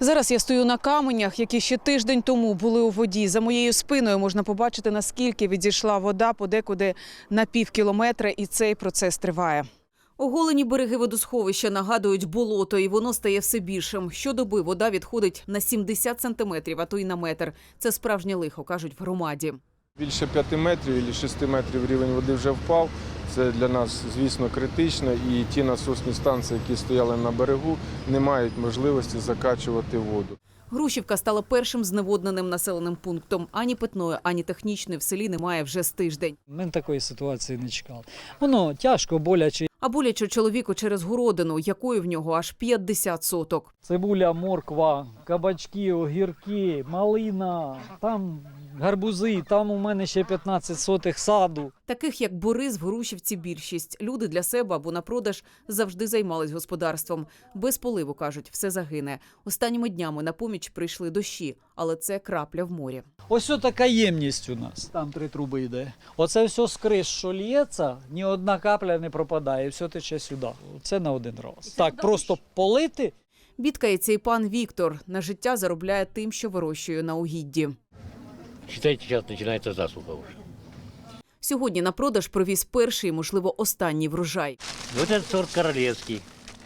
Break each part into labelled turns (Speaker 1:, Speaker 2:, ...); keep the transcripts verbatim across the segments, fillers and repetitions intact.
Speaker 1: Зараз я стою на каменях, які ще тиждень тому були у воді. За моєю спиною можна побачити, наскільки відійшла вода подекуди на пів кілометра, і цей процес триває. Оголені береги водосховища нагадують болото, і воно стає все більшим. Щодоби вода відходить на сімдесят сантиметрів, а то й на метр. Це справжнє лихо, кажуть в громаді.
Speaker 2: Більше п'яти метрів або шести метрів рівень води вже впав. Це для нас, звісно, критично. І ті насосні станції, які стояли на берегу, не мають можливості закачувати воду.
Speaker 1: Грушівка стала першим зневодненим населеним пунктом. Ані питної, ані технічної в селі немає вже з тиждень.
Speaker 3: Ми такої ситуації не чекали. Воно тяжко, боляче.
Speaker 1: А боляче чоловіку через городину, якої в нього аж п'ятдесят соток.
Speaker 3: Цибуля, морква, кабачки, огірки, малина, там гарбузи, там у мене ще п'ятнадцять сотих саду.
Speaker 1: Таких, як Борис, в Грушівці більшість. Люди для себе або на продаж завжди займались господарством. Без поливу, кажуть, все загине. Останніми днями на поміч прийшли дощі, але це крапля в морі.
Speaker 3: Ось така ємність у нас. Там три труби йде. Оце все з криш, що лється, ні одна капля не пропадає, все тече сюди. Це на один раз. Так, просто полити.
Speaker 1: Бідкається і пан Віктор. На життя заробляє тим, що вирощує на угідді.
Speaker 4: Считайте, сейчас начинается засуха уже.
Speaker 1: Сьогодні на продаж привіз перший, можливо, останній врожай.
Speaker 4: Вот этот сорт королевский.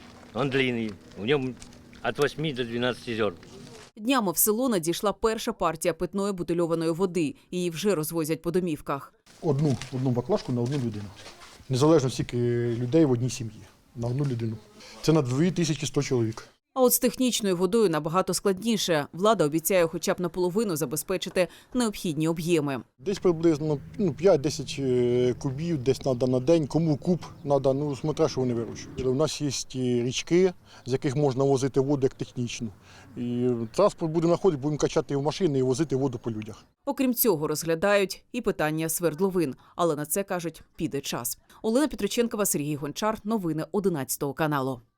Speaker 4: Он длинный. В нем от восьми до двенадцати зерн.
Speaker 1: Днями в село надійшла перша партія питної бутильованої води. Її вже розвозять по домівках.
Speaker 5: Одну, одну баклажку на одну людину. Незалежно скільки людей в одній сім'ї. На одну людину. Це на дві тисячі сто чоловік.
Speaker 1: А от з технічною водою набагато складніше. Влада обіцяє хоча б наполовину забезпечити необхідні об'єми.
Speaker 5: Десь приблизно ну, п'ять-десять кубів десь треба на день. Кому куб треба, ну, смотря, що вони вирощують. У нас є річки, з яких можна возити воду як технічну. І транспорт буде знаходити, будемо качати в машини і возити воду по людях.
Speaker 1: Окрім цього, розглядають і питання свердловин. Але на це, кажуть, піде час. Олена Петриченкова, Сергій Гончар. Новини одинадцятого каналу.